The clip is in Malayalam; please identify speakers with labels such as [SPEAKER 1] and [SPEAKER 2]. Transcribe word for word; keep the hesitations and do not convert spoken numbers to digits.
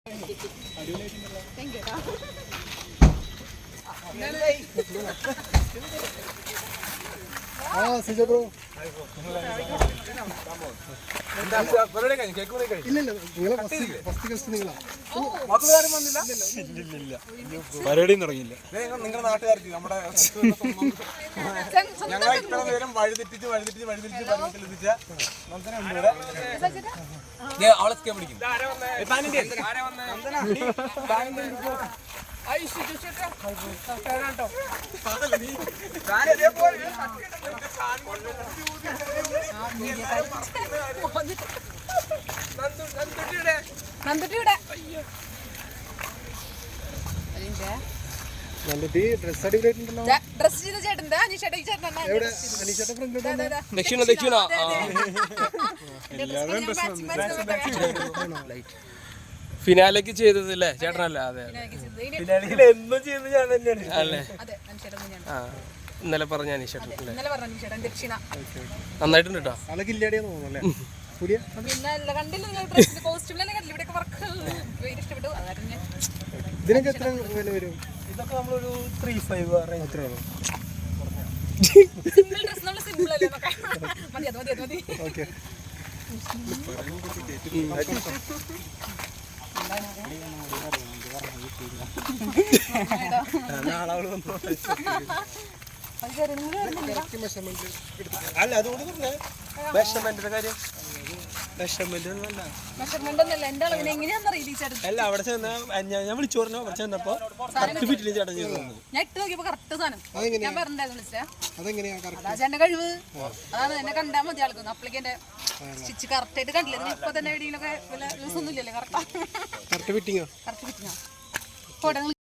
[SPEAKER 1] ആ സിജോ ബ്രോ ഇല്ലില്ല നിങ്ങളെ ഫസ്റ്റ് ഗസ്റ്റ് നിങ്ങളാ
[SPEAKER 2] പരിപാടിയും തുടങ്ങിയില്ല.
[SPEAKER 3] നിങ്ങളുടെ നാട്ടുകാർക്ക് നമ്മുടെ ഞങ്ങൾ ഇത്ര നേരം വഴിതെറ്റിച്ച് വഴിതെറ്റിച്ച് വഴിതെറ്റിച്ച് വഴിതെറ്റിച്ച അവളെ പിടിക്കും.
[SPEAKER 2] ദക്ഷിണ ദക്ഷിണ ഫിനാലേക്ക് ചെയ്തതല്ലേ ചേട്ടനല്ല? അതെ എന്നും ചെയ്യുന്നത് ഞാൻ തന്നെയാണ് അല്ലേ? ആ ഇന്നലെ പറഞ്ഞ അനീഷേട്ടൻ നന്നായിട്ടുണ്ട് കേട്ടോ.
[SPEAKER 1] ഇതിനൊക്കെ എത്ര വില വരും?
[SPEAKER 2] ഇതൊക്കെ നമ്മളൊരു ത്രീ ഫൈവ്
[SPEAKER 1] അത്ര ഓക്കെ.
[SPEAKER 2] അല്ല അതുകൊണ്ട് പറഞ്ഞേ മെഷർമെന്റിന്റെ കാര്യം. മെഷർമെന്റ് അല്ല അവിടെ ചെന്ന ഞാൻ വിളിച്ചു പറഞ്ഞു. അവിടെ ചെന്നപ്പോ കറക്റ്റ് ഫിറ്റില് ചേട്ടൻ ചെയ്തു.
[SPEAKER 4] ഞാൻ ഇട്ട് നോക്കിയപ്പോ കറക്റ്റ് സാധനം ഞാൻ പറഞ്ഞിട്ടുണ്ടായിരുന്നു
[SPEAKER 1] അതെങ്ങനെയാ
[SPEAKER 4] കഴിവ്. അതാണ് എന്നെ കണ്ടാൽ മതി ആൾക്കൊന്നും. അപ്പളേക്ക് സ്റ്റിച്ച് കറക്റ്റ് ആയിട്ട് കണ്ടില്ല. ഇപ്പൊ തന്നെ എവിടെയെങ്കിലൊക്കെ വല്ല യൂസ് ഒന്നും ഇല്ലല്ലേ? കറക്റ്റ്
[SPEAKER 1] കറക്റ്റ് ഫിറ്റിങ്ങോ?
[SPEAKER 4] കറക്റ്റ് ഫിറ്റിങ്ങോ?